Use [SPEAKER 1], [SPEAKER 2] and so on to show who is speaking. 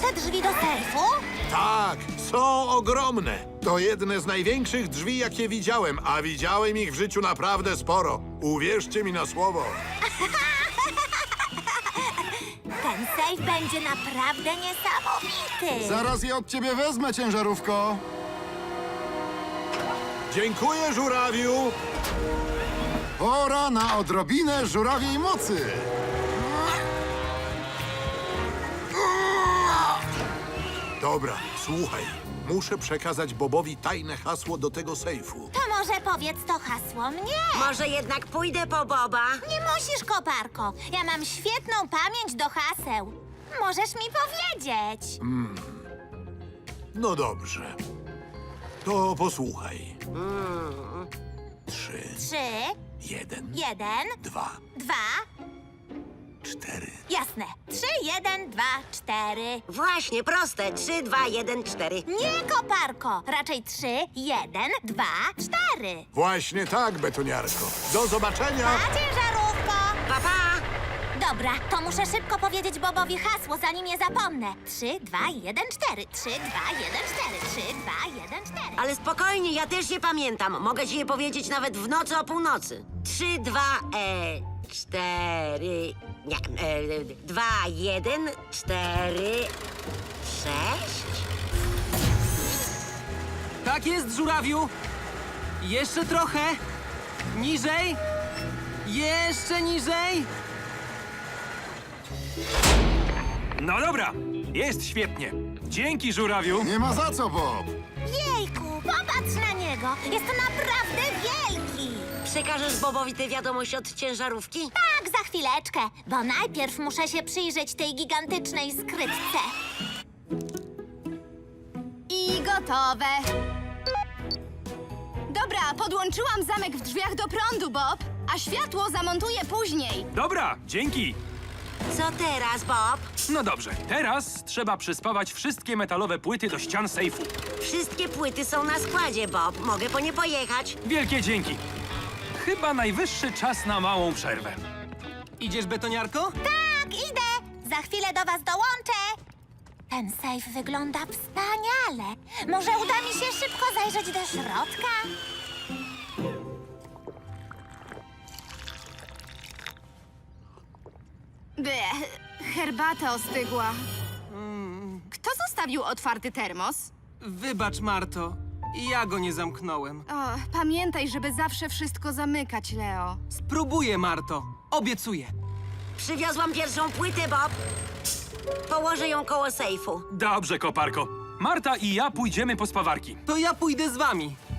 [SPEAKER 1] te drzwi do sejfu?
[SPEAKER 2] Tak, są ogromne. To jedne z największych drzwi, jakie widziałem, a widziałem ich w życiu naprawdę sporo. Uwierzcie mi na słowo.
[SPEAKER 1] Ten sejf będzie naprawdę niesamowity.
[SPEAKER 3] Zaraz je od ciebie wezmę, ciężarówko.
[SPEAKER 2] Dziękuję, żurawiu.
[SPEAKER 3] Pora na odrobinę żurawiej mocy.
[SPEAKER 2] Dobra, słuchaj. Muszę przekazać Bobowi tajne hasło do tego sejfu.
[SPEAKER 1] To może powiedz to hasło mnie.
[SPEAKER 4] Może jednak pójdę po Boba?
[SPEAKER 1] Nie musisz, koparko. Ja mam świetną pamięć do haseł. Możesz mi powiedzieć.
[SPEAKER 2] No dobrze. To posłuchaj. 3,
[SPEAKER 1] 3,
[SPEAKER 2] 1,
[SPEAKER 1] 1,
[SPEAKER 2] 2,
[SPEAKER 1] 2.
[SPEAKER 2] 4.
[SPEAKER 1] Jasne. 3, 1, 2, 4.
[SPEAKER 4] Właśnie, proste. 3, 2, 1, 4.
[SPEAKER 1] Nie, koparko. Raczej 3, 1, 2, 4.
[SPEAKER 2] Właśnie tak, betoniarko. Do zobaczenia.
[SPEAKER 1] A ciężarówko.
[SPEAKER 4] Pa, pa!
[SPEAKER 1] Dobra, to muszę szybko powiedzieć Bobowi hasło, zanim je zapomnę. 3, 2, 1, 4. 3, 2, 1, 4. 3, 2, 1, 4.
[SPEAKER 4] Ale spokojnie, ja też je pamiętam. Mogę ci je powiedzieć nawet w nocy o północy. 3, 2, 4... Nie, 2, 1, 4, 6...
[SPEAKER 5] Tak jest, żurawiu. Jeszcze trochę. Niżej. Jeszcze niżej.
[SPEAKER 6] No dobra, jest świetnie. Dzięki, żurawiu.
[SPEAKER 3] Nie ma za co, Bob.
[SPEAKER 1] Jejku, popatrz na niego. Jest naprawdę wielki.
[SPEAKER 4] Przekażesz Bobowi tę wiadomość od ciężarówki?
[SPEAKER 1] Tak, za chwileczkę, bo najpierw muszę się przyjrzeć tej gigantycznej skrytce.
[SPEAKER 7] I gotowe. Dobra, podłączyłam zamek w drzwiach do prądu, Bob, a światło zamontuję później.
[SPEAKER 6] Dobra, dzięki.
[SPEAKER 4] Co teraz, Bob?
[SPEAKER 6] No dobrze, teraz trzeba przyspawać wszystkie metalowe płyty do ścian sejfu.
[SPEAKER 4] Wszystkie płyty są na składzie, Bob. Mogę po nie pojechać.
[SPEAKER 6] Wielkie dzięki. Chyba najwyższy czas na małą przerwę.
[SPEAKER 5] Idziesz, betoniarko?
[SPEAKER 1] Tak, idę. Za chwilę do was dołączę. Ten sejf wygląda wspaniale. Może uda mi się szybko zajrzeć do środka?
[SPEAKER 7] Herbata ostygła. Kto zostawił otwarty termos?
[SPEAKER 5] Wybacz, Marto. Ja go nie zamknąłem.
[SPEAKER 7] O, pamiętaj, żeby zawsze wszystko zamykać, Leo.
[SPEAKER 5] Spróbuję, Marto. Obiecuję.
[SPEAKER 4] Przywiozłam pierwszą płytę, Bob. Położę ją koło sejfu.
[SPEAKER 6] Dobrze, koparko. Marta i ja pójdziemy po spawarki.
[SPEAKER 5] To ja pójdę z wami.